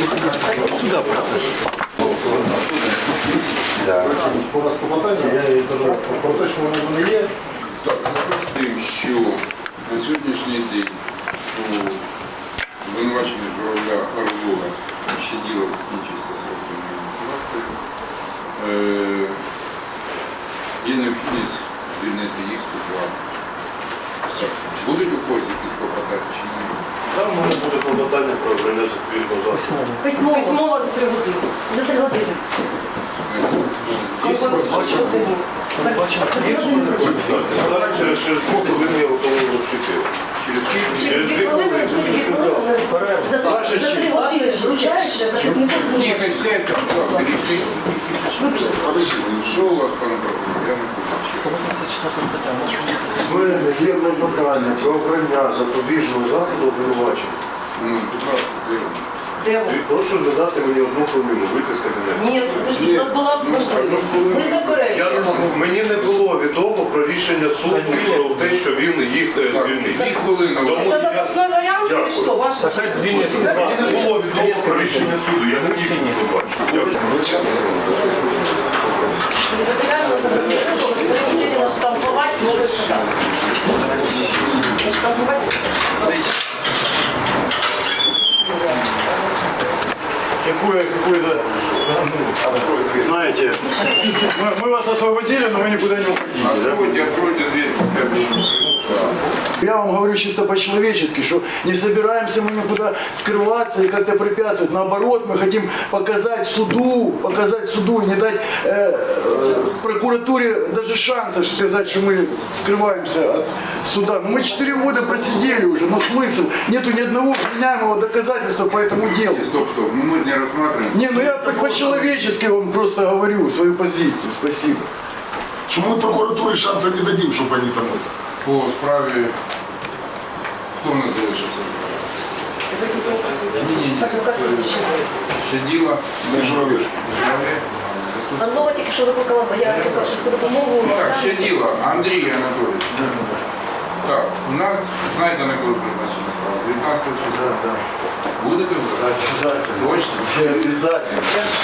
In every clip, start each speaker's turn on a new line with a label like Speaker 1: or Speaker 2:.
Speaker 1: Сюда,
Speaker 2: По нас клопотання, я їй кажу про те, що воно не є.
Speaker 3: Так, запустив, що на сьогоднішній день у обвинуваченні Журавля Орлова ще діло закінчується сроком. Є необхідність звільнити їх з покладу. Будуть у когось якісь клопотання чи ні?
Speaker 2: Там у мене буде клопотання про обрання запобіжного заходу.
Speaker 4: Письмово за 3 години. За 3 години.
Speaker 2: Через сколько ви мені готові вчити?
Speaker 3: Через скільки?
Speaker 4: Через 2 хвилини, через 2 хвилини. За 3 години вручається захиснику.
Speaker 3: Тихо, сядьте, будь ласка, подожди, що у вас, пане прокурор? Я не хочу.
Speaker 1: 184 стаття.
Speaker 2: У мене є клопотання про обрання запобіжного заходу обвинувачення.
Speaker 3: Ну, будь ласка,
Speaker 4: Де ви?
Speaker 2: Прошу додати мені 1 хвилину, вийти з кабінету.
Speaker 4: Ні, подожди, у нас була б можливість. Ми заперечуємо.
Speaker 2: Мені не було відомо про рішення суду про те, що він їх звільнив.
Speaker 3: 2 хвилини.
Speaker 2: Тому
Speaker 4: Це запасний варіант чи що? Ваше?
Speaker 2: мені не було відомо про рішення суду, я не міг його побачити.
Speaker 4: Матеріально забезпечено, штампувати може штамп. Штампувати.
Speaker 5: Знаете, мы вас освободили, но вы никуда не уходите.
Speaker 3: Откройте дверь, пускай.
Speaker 5: Я вам говорю чисто по-человечески, что не собираемся мы никуда скрываться и как-то препятствовать. Наоборот, мы хотим показать суду и не дать прокуратуре даже шанса сказать, что мы скрываемся от суда. Но мы 4 года просидели уже, но смысл? Нету ни одного вменяемого доказательства по этому делу.
Speaker 3: Стоп, ну мы не рассматриваем.
Speaker 5: Не, ну я по-человечески вам просто говорю свою позицию. Спасибо.
Speaker 6: Чому ми прокуратурі шансу не дадим, щоб вони там...
Speaker 3: По справі, хто в нас залишився? Ні. Ще діло.
Speaker 6: Журавель.
Speaker 7: Аннова тільки що викликала, бо я викликала швидку допомогу.
Speaker 3: Так, ще діло. Андрій Анатолійович. Так, у нас, знаєте, на коли призначена справа? 19 числа. Будете ви? Точно?
Speaker 5: Обязательно.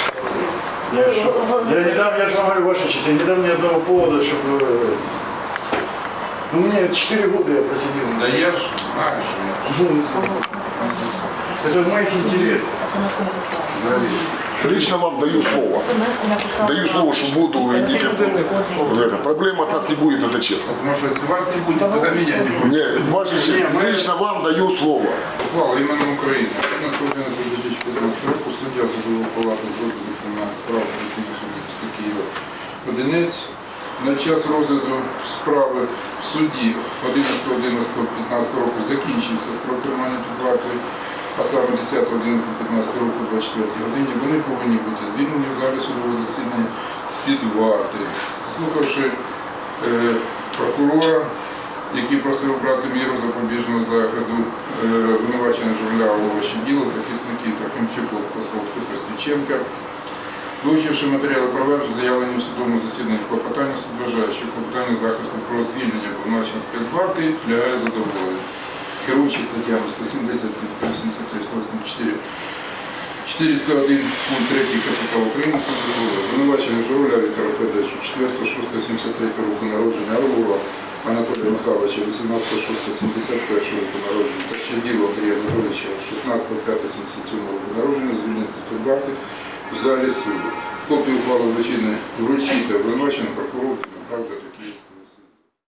Speaker 5: Я не дам, я же вам говорю, ваша честь, я не дам ни одного повода, чтобы... Ну, мне 4 года я просидел.
Speaker 3: Да я ж знаю, що я.
Speaker 5: Это в моих интересах.
Speaker 7: СМС-ку написала.
Speaker 6: Лично вам даю слово.
Speaker 7: СМС-ку написала.
Speaker 6: Даю слово, что буду проблем от нас не будет, это честно.
Speaker 3: Потому что если вас не будет, тогда меня не будет.
Speaker 6: Не, ваша честь, лично вам даю слово.
Speaker 3: Ухвала імені України. На 111 року суддя Судової палати з розгляду кримінальних справ Апеляційного суду міста Києва Одинець на час розгляду справи в суді 11.11.15 року закінчився строк тримання під вартою, а саме 10.11.15 року 24 годині вони повинні бути звільнені в залі судового засідання з-під варти. Слухавши прокурора, який просив брати міру запобіжного заходу обвинувачення Журавля Орлова ще діло, захисників Трохимчук, Лопосов, Костюченка. Вивчивши матеріали провадження, заявлені в судовому засіданні клопотання, суд вважає, що клопотання захисту про звільнення обвинувачення з-під варти підлягає задоволенню. Керуючи статтями 170, 183, 184, 401 пункт 3 КПК України, суд дозволив обвинувачення Журавля Віктора Федоровича 4.6.73 року народження, Орлова Анатолія Михайловича 18.6.71 року народження та Щерділа Андрія Анатолійовича 16.5.77 року народження звільнити з-під варти в залі суду. Копію ухвали вручити обвинуваченому прокурору, правда, такі.